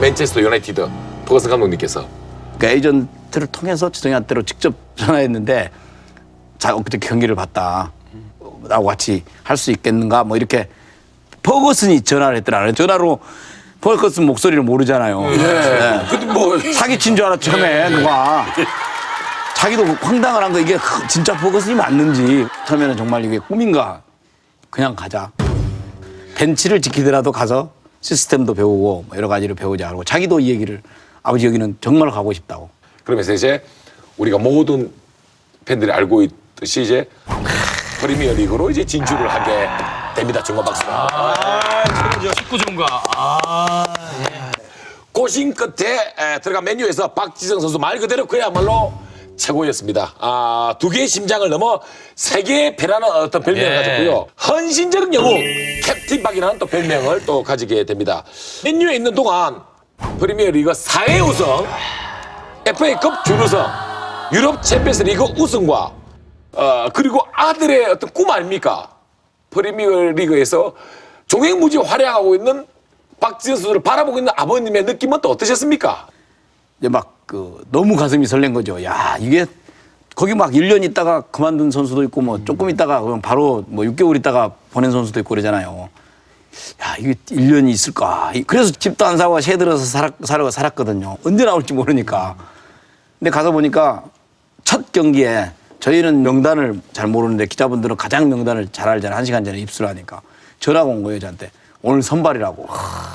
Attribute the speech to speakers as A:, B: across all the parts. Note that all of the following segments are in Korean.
A: 맨체스터 유나이티드 퍼거슨 감독님께서
B: 그 에이전트를 통해서 지성이한테로 직접 전화했는데 자 그때 경기를 봤다. 나하고 같이 할 수 있겠는가 뭐 이렇게 퍼거슨이 전화를 했더라고요. 전화로 퍼거슨 목소리를 모르잖아요. 네.
A: 근데 뭐
B: 사기친 줄 알았죠 처음에 누가. 자기도 황당을 한 거 이게 진짜 퍼거슨이 맞는지 처음에는 정말 이게 꿈인가 그냥 가자. 벤치를 지키더라도 가서 시스템도 배우고 뭐 여러 가지를 배우자 하고 자기도 이 얘기를 아버지 여기는 정말 가고 싶다고.
A: 그러면서 이제 우리가 모든 팬들이 알고 있듯이 이제 프리미어 리그로 이제 진출을 하게 됩니다. 정말 박수가.
C: 최고죠. 축구 전문가.
A: 고심 끝에 들어간 맨유에서 박지성 선수 말 그대로 그야말로 최고였습니다. 두 개의 심장을 넘어 세 개의 배라는 어떤 별명을 가졌고요. 헌신적인 영웅 캡틴 박이라는 또 별명을 또 가지게 됩니다. 맨유에 있는 동안 프리미어 리그 4회 우승, FA컵 준우승, 유럽 챔피언스 리그 우승과 그리고 아들의 어떤 꿈 아닙니까? 프리미어 리그에서 종횡무지 활약하고 있는 박지성 선수를 바라보고 있는 아버님의 느낌은 또 어떠셨습니까?
B: 이제 막 너무 가슴이 설렌 거죠. 야 이게 거기 막 1년 있다가 그만둔 선수도 있고 뭐 조금 있다가 그냥 바로 뭐 6개월 있다가 보낸 선수도 있고 그러잖아요. 야 이게 1년이 있을까? 그래서 집도 안 사고 새 들어서 살았거든요. 언제 나올지 모르니까. 근데 가서 보니까 첫 경기에 저희는 명단을 잘 모르는데 기자분들은 가장 명단을 잘 알잖아요. 1시간 전에 입수를 하니까. 전화가 온 거예요 저한테. 오늘 선발이라고.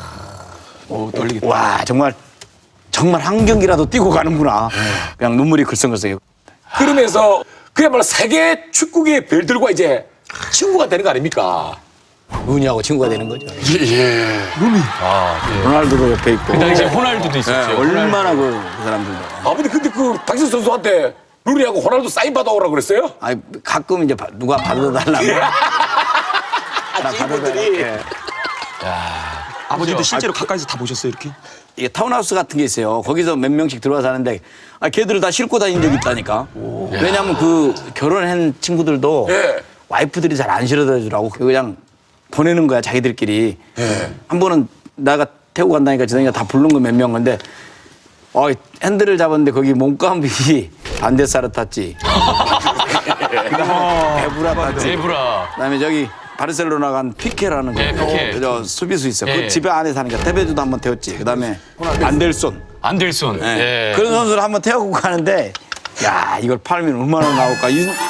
C: 떨리겠다.
B: 와 정말 한 경기라도 뛰고 가는구나. 그냥 눈물이 글썽글썽해요.
A: 그러면서 그야말로 세계 축구계의 별들과 이제 친구가 되는 거 아닙니까?
B: 루니하고 친구가 되는 거죠.
C: 루니.
B: 로날두도 옆에 있고.
C: 그 당시에 호날두도 있었죠.
B: 얼마나 그 사람들도.
A: 아버님 근데 그 박지성 선수한테 루니하고 호날두 사인 받아오라고 그랬어요?
B: 아니 가끔 이제 누가 받아달라고. 나
A: 친구들이.
C: 아버지도 실제로 가까이서 다 보셨어요, 이렇게?
B: 이게 타운하우스 같은 게 있어요. 거기서 몇 명씩 들어와 사는데 걔들을 다 싣고 다닌 적이 있다니까. 왜냐하면 그 결혼한 친구들도
A: 예.
B: 와이프들이 잘 안 실어다 주라고 그냥 보내는 거야 자기들끼리. 한 번은 내가 태우고 간다니까 지성이가 다 부른 거 몇 명 건데 핸들을 잡았는데 거기 몸값이 반대사를 탔지. 에브라 탔지.
C: 제브라.
B: 그다음에 저기 바르셀로나 간 피케라는 거.
C: 네, 피케.
B: 저 수비수 있어요.
C: 예.
B: 그 집에 안에 사니까 테베주도 한번 태웠지. 그다음에 안델손.
C: 안델손.
B: 예. 그런 선수를 한번 태우고 가는데 야 이걸 팔면 얼마나 나올까.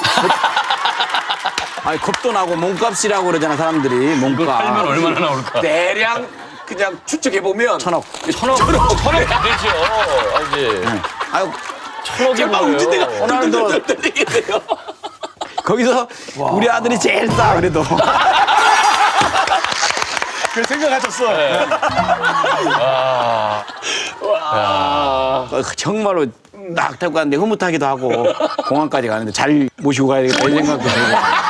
B: 아니 겁도 나고 몸값이라고 그러잖아 사람들이. 몸값.
C: 팔면 얼마나 나올까?
A: 대량 그냥 추측해보면
B: 1,000억.
C: 천억 안 되죠. 알지?
B: 아유
C: 천억이
A: 막
C: 뭐예요?
A: 움직대가
B: 호날두
A: 들리겠네요.
B: 거기서 우리 아들이 제일 싸 그래도.
C: 그 생각하셨어.
B: 정말로 딱 태우고 가는데 흐뭇하기도 하고 공항까지 가는데 잘 모시고 가야 되겠다 이 생각도 들고.